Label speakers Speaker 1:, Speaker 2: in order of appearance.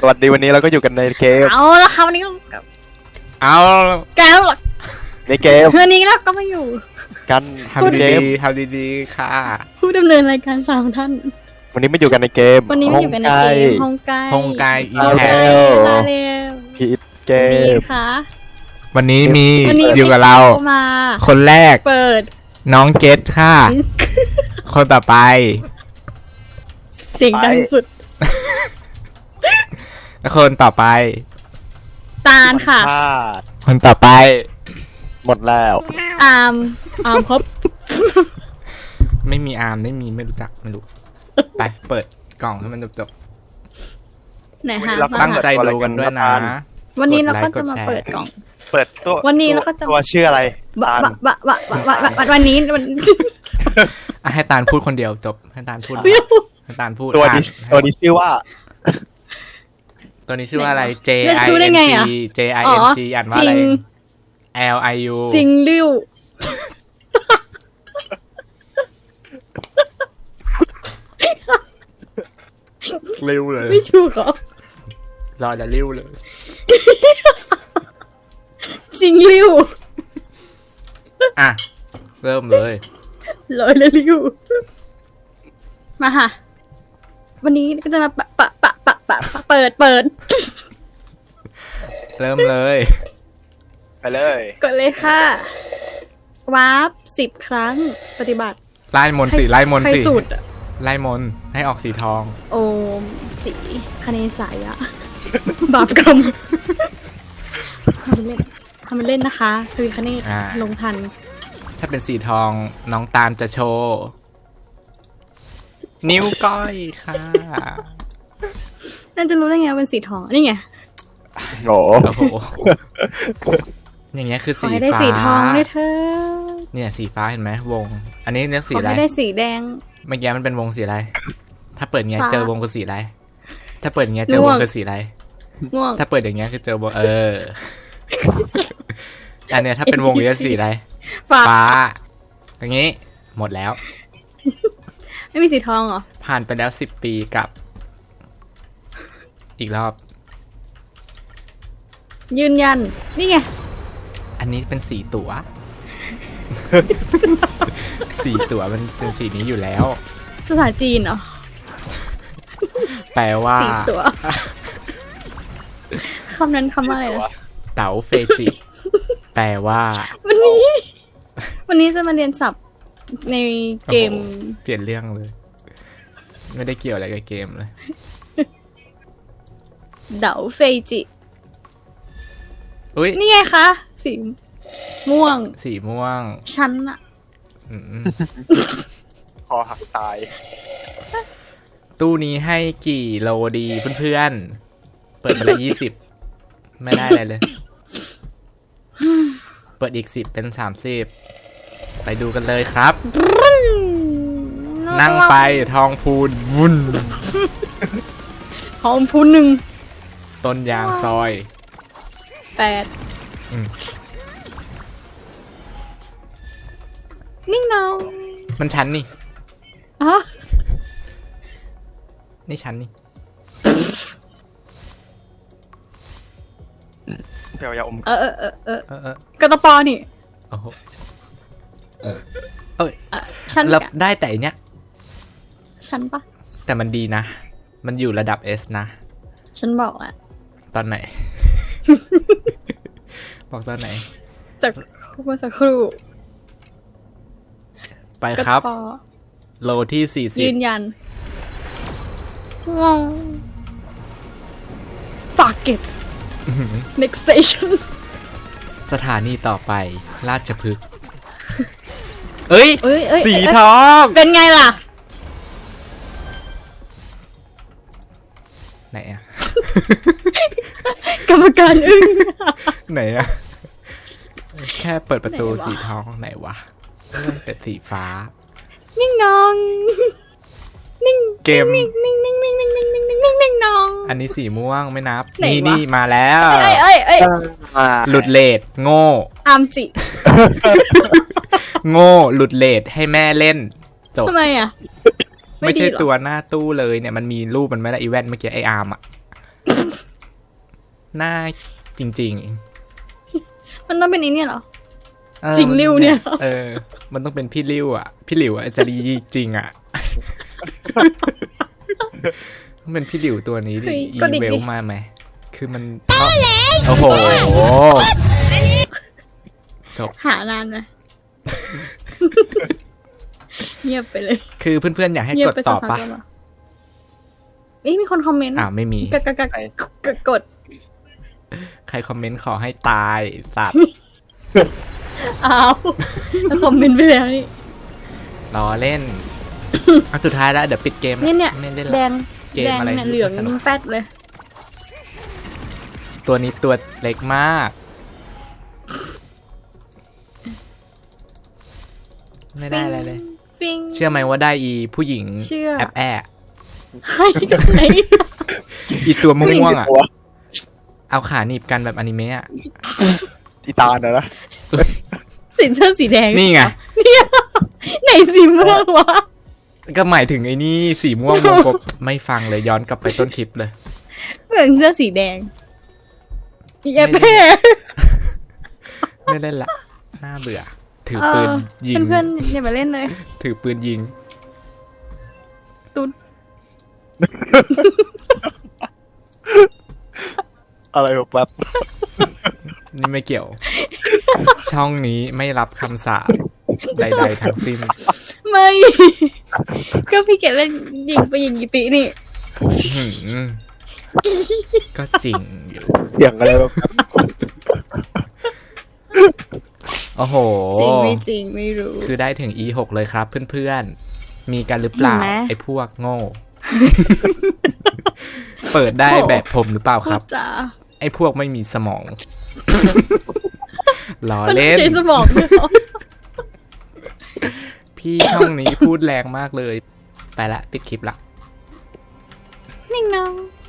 Speaker 1: วัสดีวันนี้เราก็อยู่กันในเกม
Speaker 2: เอาละค่ะวันนี้
Speaker 3: เอา
Speaker 2: แก้วหรอ
Speaker 1: ในเกม
Speaker 2: วันนี้เราก็มาอยู่
Speaker 1: กัน
Speaker 3: ทำดีๆค่ะ
Speaker 2: ผู้ดำเนินรายการ3 ท่าน
Speaker 1: วันนี้มาอยู่กันในเกม
Speaker 2: วันนี้มาอยู่กันในเกมฮงไก
Speaker 3: อี
Speaker 1: แพ
Speaker 2: มาเร็ว
Speaker 1: พีทเกม
Speaker 2: ค่ะ
Speaker 3: วันนี้มีอยู่กับเราคนแรก
Speaker 2: เปิด
Speaker 3: น้องเกตค่ะคนต่อไป
Speaker 2: เสียงดังสุด
Speaker 3: คนต่อไป
Speaker 2: ตาลค่ะ
Speaker 3: คนต่อไป
Speaker 1: หมดแล้ว
Speaker 2: อาร์มครบ
Speaker 3: ไม่มีอาร์มไม่รู้จักไม่รู้ไปเปิดกล่องให้มันจบ
Speaker 2: ไหนฮะ
Speaker 3: ตั้งใจดูกันด้วยนะ
Speaker 2: วันนี้เราก็จะมาเปิดกล่อง
Speaker 1: เปิดตัว
Speaker 2: วันนี้เราก็จะ
Speaker 1: ตัวชื่ออะไร
Speaker 2: วันนี้
Speaker 3: ให้ตาลพูดคนเดียวจบให้ตาลพูด
Speaker 1: ตัวนี้ชื่อว่า
Speaker 3: ตัวนี้ชื่อว่าอะไร JING อ่านว่าอะไร LIU
Speaker 2: จริงริ้ว
Speaker 3: ริ้วเลย
Speaker 2: ไม่ถูกหรอ
Speaker 3: รอจะริ้วเลย
Speaker 2: จริงริ้ว
Speaker 3: อ่ะเริ่มเลย
Speaker 2: ลอยเลยริ้วมาค่ะวันนี้ก็จะมาเปิด
Speaker 3: เริ่มเลย
Speaker 1: ไปเลย
Speaker 2: กดเลยค่ะวาร์ป10 ครั้งปฏิบัติ
Speaker 3: ไล่มนสิไล่มนสิ
Speaker 2: สุด
Speaker 3: ไล่มนให้ออกสีทอง
Speaker 2: โอมสีคเนสายะบาปกรรมทำมันเล่นนะคะทวีคเนศลงทัน
Speaker 3: ถ้าเป็นสีทองน้องตาลจะโชว์นิ้วก้อยค่ะ
Speaker 2: น่าจะรู้ได้ไงเป็นสีทองนี่ไง
Speaker 1: โอ้
Speaker 3: โหอย่างเงี้ยคือสีฟ้า
Speaker 2: ได้สีทองด้วยเธอ
Speaker 3: เนี่ยสีฟ้าเห็นไหมวงอันนี้เนี่ยสีอะไร
Speaker 2: ไม่ได้สีแดง
Speaker 3: เมื่อกี้มันเป็นวงสีอะไรถ้าเปิดเงี้ยเจอวงคือสีอะไรถ้าเปิดเงี้ยเจอวงคือสีอะไร
Speaker 2: ม่วง
Speaker 3: ถ้าเปิดอย่างเงี้ยคือเจอวงอันเนี้ยถ้าเป็นวงนี้สีอะไรฟ้าอย่างงี้หมดแล้ว
Speaker 2: ไม่มีสีทองเหรอ
Speaker 3: ผ่านไปแล้ว10 ปีกับอีกรอบ
Speaker 2: ยืนยันนี่ไง
Speaker 3: อันนี้เป็นสีตั๋วสีตั๋วมันเป็นสีนี้อยู่แล้ว
Speaker 2: ภาษาจีนเหรอ
Speaker 3: แปลว่า
Speaker 2: สีตั๋วคำนั้นคำว่าอะไรนะ
Speaker 3: เต๋าเฟจิแปลว่า
Speaker 2: วันนี้จะมาเรียนศัพท์ในเกม
Speaker 3: เปลี่ยนเรื่องเลยไม่ได้เกี่ยวอะไรกับเกมเลย
Speaker 2: เดาเฟจินี่ไงคะสีม่วงชั้นอะ
Speaker 1: คอหักตาย
Speaker 3: ตู้นี้ให้กี่โลดีเพื่อนๆเปิดมาแล้ว20ไม่ได้อะไรเลยเปิดอีก10เป็น30ไปดูกันเลยครับนั่งไปทองพูนวุ่น
Speaker 2: ทองพูน1
Speaker 3: ต้นยางซอย
Speaker 2: 8นิ่งน้อง
Speaker 3: มันชั้นนี่
Speaker 2: อ๋อ
Speaker 3: นี่ชั้นนี่
Speaker 1: เดี๋ยวยาอม
Speaker 2: กระตปอนี่
Speaker 3: โอ้โหชั้นรับได้แต่เนี้ย
Speaker 2: ชั้นปะ
Speaker 3: แต่มันดีนะมันอยู่ระดับ S นะ
Speaker 2: ฉันบอกอะ
Speaker 3: ตอนไหนบอกตอนไหน
Speaker 2: จากเมื่อสักครู่
Speaker 3: ไปครับโลที่40
Speaker 2: ยืนยันงงปากเก็ต next station
Speaker 3: สถานีต่อไปราชพฤกษ์สีทอง
Speaker 2: เป็นไงล่ะ
Speaker 3: ไหนอะ
Speaker 2: กรรมการอึ้ง
Speaker 3: ไหนอะแค่เปิดประตูสีทองไหนวะแต่สีฟ้า
Speaker 2: นิ่งน้องนิ่ง
Speaker 3: เกม
Speaker 2: นิ่งน้อง
Speaker 3: อันนี้สีม่วงไม่นับนี่มาแล้วหลุดเลทโง่
Speaker 2: อามจิ
Speaker 3: โง่หลุดเลทให้แม่เล่นจบ
Speaker 2: ทำไมอ่ะ
Speaker 3: ไม่ใช่ตัวหน้าตู้เลยเนี่ยมันมีรูปมันไหมล่ะอีแวนเมื่อกี้ไออาร์มอ่ะหน้าจริง
Speaker 2: มันต้องเป็นนี้เนี่ยเหรอ
Speaker 3: ๆเออ
Speaker 2: จริงริ้วเนี่ย
Speaker 3: มันต้องเป็นพี่ริ้วอ่ะ พี่หลิวอ่ะจะดีจริงอ่ะ ต้องเป็นพี่หลิวตัวนี้ดิ
Speaker 2: เฮ้ย
Speaker 3: อี
Speaker 2: ก็ดิ
Speaker 3: เวล
Speaker 2: ดิ
Speaker 3: มาไหม คือมันโอ้โห จบ
Speaker 2: หานานไหม เงียบไปเลย
Speaker 3: คือเพื่อนๆอยากให้
Speaker 2: เงีย
Speaker 3: ก
Speaker 2: บ
Speaker 3: ด
Speaker 2: ไป
Speaker 3: ต่
Speaker 2: สั
Speaker 3: อก
Speaker 2: พัก
Speaker 3: ปะ
Speaker 2: แล้วเหรอเอ้ยมีคนคอมเมนต์
Speaker 3: ไม่มี
Speaker 2: กด
Speaker 3: ใครคอมเมนต์ขอให้ตายสัตว์
Speaker 2: อ้าวแล้วคอมเมนต์ไปแล้วนี่
Speaker 3: ล้อเล่น อันสุดท้ายแล้วเดี๋ยวปิดเกม
Speaker 2: เนี่ย
Speaker 3: ไม่เล่น
Speaker 2: แด
Speaker 3: ละ
Speaker 2: ง
Speaker 3: เกม
Speaker 2: แดง
Speaker 3: อะไร
Speaker 2: เนี่ยเหลือง
Speaker 3: สนุก
Speaker 2: แป๊ดเลย
Speaker 3: ตัวนี้ตัวเล็กมาก ไม่ได้อะไรเลย
Speaker 2: ฟิง
Speaker 3: เชื่อไหมว่าได้อีผู้หญิง
Speaker 2: เชื่อ
Speaker 3: แอบแอบ
Speaker 2: ใครกับใคร
Speaker 3: อีตัวม่วงๆอ่ะ
Speaker 1: ตัว
Speaker 3: เอาขาหนีบกันแบบอนิเมะอ่ะ
Speaker 1: อีตาลนะ
Speaker 2: สีเสื้อสีแดง
Speaker 3: นี่ไง
Speaker 2: ไหนสีม่วงวะ
Speaker 3: ก็หมายถึงไอ้นี่สีม่วงวงกบไม่ฟังเลยย้อนกลับไปต้นคลิปเลย
Speaker 2: เหมือนเสื้อสีแดงแย่
Speaker 3: ไม่
Speaker 2: แพ้
Speaker 3: ได้ ไม่เล่นละน่าเบื่อ ถือปืนยิง
Speaker 2: เพื่อนๆอย่ามาเล่นเลย
Speaker 3: ถือปืนยิง
Speaker 2: ตุ๊ด
Speaker 1: อะไรแบบ
Speaker 3: นี่ไม่เกี่ยว ช่องนี้ไม่รับคำสาปใดๆทั้งสิ้น
Speaker 2: ไม่ ก็พี่เกดเล่นยิงไปยิงกี่ปีนี่
Speaker 3: หืมก็จริงอยู่
Speaker 1: เสียงอะไรแบบ
Speaker 3: โอ้โห
Speaker 2: จริงไม่จริงไม่รู้
Speaker 3: คือได้ถึง E6 เลยครับเพื่อนๆ มีกันหรือเปล่า
Speaker 2: เห็นไหม
Speaker 3: ไอ้พวกโง่ เปิดได้แบบผมหรือเปล่าครับ
Speaker 2: พูดจา
Speaker 3: ไอ้พวกไม่มีสมอง ล้อ
Speaker 2: มัน
Speaker 3: เล่น
Speaker 2: ใช้สมองด้วยเหรอ
Speaker 3: พี่ช่องนี้พูดแรงมากเลย ไปละปิดคลิปละ
Speaker 2: นิ่งน้อง